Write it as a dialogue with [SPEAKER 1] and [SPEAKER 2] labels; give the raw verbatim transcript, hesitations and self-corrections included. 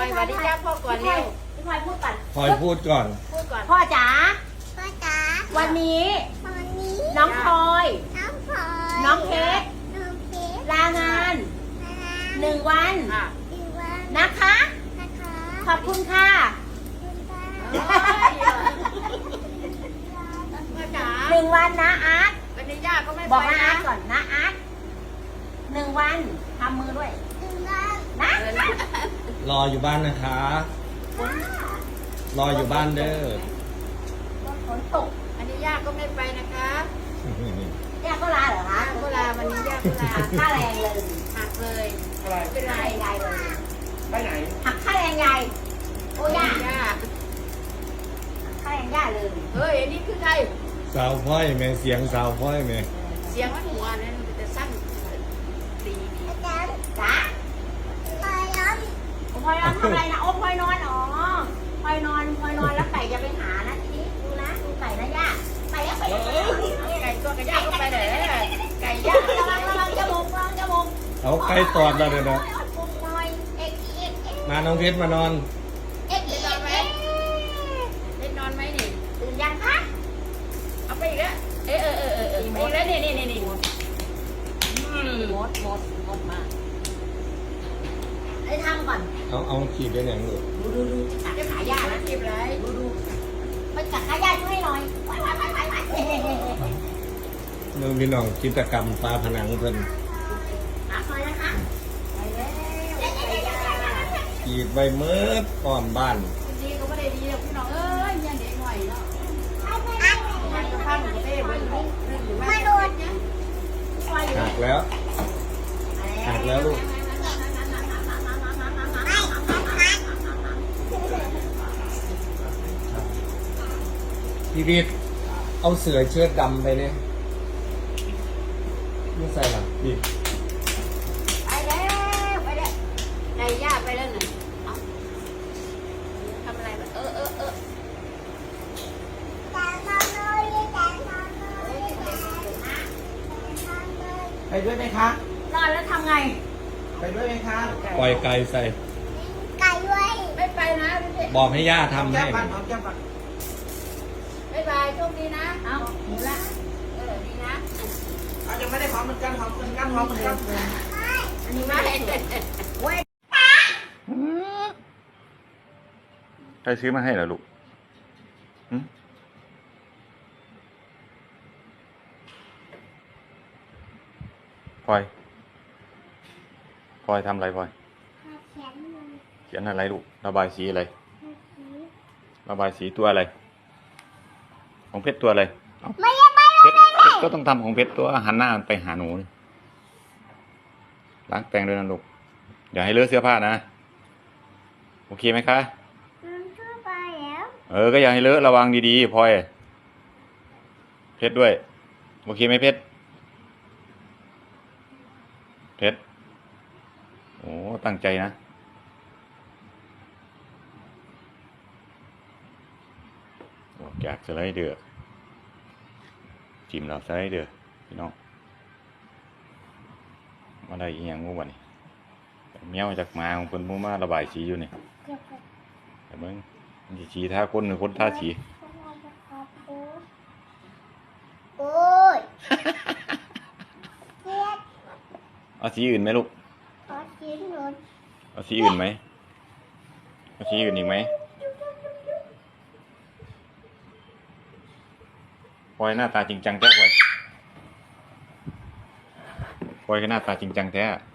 [SPEAKER 1] อยสวัสดีจ้าพ่อก่อนเร็ว
[SPEAKER 2] พี่พลอยพูดก่อน
[SPEAKER 3] พลอยพูดก่อน
[SPEAKER 1] พูดก่อน
[SPEAKER 2] พ่อจ๋า
[SPEAKER 4] พ่อจ๋า
[SPEAKER 2] วันนี้
[SPEAKER 4] วันนี้
[SPEAKER 2] น้องพลอย
[SPEAKER 4] น้องพลอย
[SPEAKER 2] น้องเพชร
[SPEAKER 4] น้องเพชร
[SPEAKER 2] ลางาน
[SPEAKER 4] นะคะ
[SPEAKER 2] หนึ่งวัน
[SPEAKER 1] อ่ะ
[SPEAKER 4] ดีวัน
[SPEAKER 2] นะคะ
[SPEAKER 4] นะคะ
[SPEAKER 2] ขอบคุณค่ะ
[SPEAKER 4] คุณป้า
[SPEAKER 1] พ่อจ๋า
[SPEAKER 2] หนึ่งวันนะอาร์ต
[SPEAKER 1] วันนี้ย่าก็ไม่
[SPEAKER 2] บอก
[SPEAKER 1] ไป
[SPEAKER 2] นะอา
[SPEAKER 1] นะ
[SPEAKER 2] ร์ตก่อนนะอาร์ตหนึ่งวันทำมือด้วย
[SPEAKER 4] ดีวัน
[SPEAKER 2] นะ
[SPEAKER 3] รออยู่บ้านนะคะ รออยู่บ้านเด้อ
[SPEAKER 2] ฝนตก
[SPEAKER 1] อันนี้ย่าก็ไม่ไปนะคะ
[SPEAKER 2] ย่าก็ลาเหรอคะ
[SPEAKER 1] ย่าก็ลาวันนี้ย่าก็ลา
[SPEAKER 2] หักค่าแรงเลย
[SPEAKER 1] หักเลย
[SPEAKER 5] อะไร
[SPEAKER 1] ไม่เป็นไร
[SPEAKER 2] ยายเลย
[SPEAKER 5] ไปไหน
[SPEAKER 2] หักค่าแรงยายโอ้ย่า
[SPEAKER 1] ย่า
[SPEAKER 2] หักค่าแรงย่าเลย
[SPEAKER 1] เฮ้ยอันนี้คือใคร
[SPEAKER 3] สาวพ่อยแม่เสียงสาวพ่อยแม่
[SPEAKER 1] เสียงมันหัวนั่นมันจะสั้นดีดี
[SPEAKER 4] อาจารย์
[SPEAKER 2] จ๋า
[SPEAKER 4] พลอยร้อง
[SPEAKER 2] โอ้พลอยนอนทำอะไรนะโอ้พลอยนอนอ๋อพลอยนอนพลอยนอนแล้วไก่จะไปหานะทีนี้ดูนะดูไก่นะย่าไก่แล้วไก่แล้ว
[SPEAKER 1] ไก่ตัวกับย่าก็ไปไหนไก่ย่า
[SPEAKER 2] ระวังระวังจมูกระวังจมูก
[SPEAKER 3] เอาใกล้ตอดแล้วเด้อนะ
[SPEAKER 2] ปุกหน่อยเอ็กเอ็กเอ็ก
[SPEAKER 3] มาน้องเพชรมานอน
[SPEAKER 2] เอ็กเอ็กเอ็ก
[SPEAKER 1] เล่นนอนไหมนี่
[SPEAKER 2] ตื่นยังคะ
[SPEAKER 1] เอาไปอีกแล้วเออเออเออเออเออไปอีกแล้วนี่นี่นี่นี่อืม
[SPEAKER 2] หมดหมดหมดมาให้ทำก่อน
[SPEAKER 3] เอาเอาขีดเป็นอย่างลูก
[SPEAKER 2] ดูดูดูจะกัดขาย่านะ
[SPEAKER 1] จีบไร
[SPEAKER 2] ดูดูไปกัดขาย่าช่วยหน่อยไปไปไปไปไป
[SPEAKER 3] น้องพี่น้องกิจกรรมปลาผนังเพิ่น
[SPEAKER 2] หาคอยนะคะไปแล้วไปแล้ว
[SPEAKER 3] ขีดใบเมิดอ้อมบ้าน
[SPEAKER 1] ดีก็ไม่ได้ดีหรอกพี่น้องเอ้ยยังเด็กหน่อยเนาะมันก็พังเต้เบิ้ลลูกอยู่บ้านโดนเนี่ย
[SPEAKER 3] หักแล้วหักแล้วลูกพี่วิทย์เอาเสือเชือดดำไปเนี่ยไม่ใส่หรอพี่
[SPEAKER 1] ไปแล้วไปแล้วไก่ย่าไปแล้วหนึ่งทำอะไรเออเออเออ
[SPEAKER 4] แต่นอนเลยแต่นอนเลยแต่นอนเลย
[SPEAKER 5] ไปด้วยไหมคะ
[SPEAKER 2] นอนแล้วทำไง
[SPEAKER 5] ไปด้วยไหมคะ
[SPEAKER 3] ปล่อยไก่ใส่
[SPEAKER 4] ไก่ด้วย
[SPEAKER 1] ไม่ไปนะพี่
[SPEAKER 3] บอกให้ย่าทำ
[SPEAKER 5] แก้
[SPEAKER 3] ให้
[SPEAKER 5] มปันหอมแก้มปัน
[SPEAKER 1] บ๊ายบายโชคดีนะ
[SPEAKER 2] เอาหมูละ
[SPEAKER 1] เออดีนะ
[SPEAKER 5] เอายังไม่ได้หอมเหมือนกันหอมเหมือนกันหอมเหมือนกัน
[SPEAKER 1] อันนี้ไม่
[SPEAKER 2] เว้ย
[SPEAKER 6] ใครซื้อมาให้เหรอลูกหึพลอยพลอยทำอะไรพลอย
[SPEAKER 4] แขนมัน
[SPEAKER 6] เขียนอะไรลูก ระบายสีอะไร
[SPEAKER 4] สี
[SPEAKER 6] ระบายสีตัวอะไร ของเพชรตัวอะไรเอ้า
[SPEAKER 4] ไม่ได้ไป
[SPEAKER 6] เพชรเพชรก็ต้องทำของเพชรตัวหันหน้าไปหาหนูนี่ล้างแปรงด้วยนะลูก อย่าให้เลอะเสื้อผ้านะ โอเคไหมคะ
[SPEAKER 4] มันทั่วไปแล้ว
[SPEAKER 6] เออ ก็อย่าให้เลอะระวังดีๆพลอย เพชรด้วย โอเคไหมเพชร เพชร โอ้ ตั้งใจนะ ออกจากสไลเดอร์จิ้มเราสไลเดอร์พี่น้อง มาได้อีกอย่างงูวะนี่เมียวจากหมาของคนมูมาระบายสีอยู่นี่แต่เบิ่งมันสิสีท่าคนหรือคนท่าสี
[SPEAKER 4] โอ้ยเจ็ด
[SPEAKER 6] เอาสีอื่นไหมลูก
[SPEAKER 4] ขอชิ้นหนุน
[SPEAKER 6] เอาสีอื่นไหมเอาสีอื่นอีกไหมพลอยหน้าตาจริงจังแท้พลอยพลอยก็หน้าตาจริงจังแท้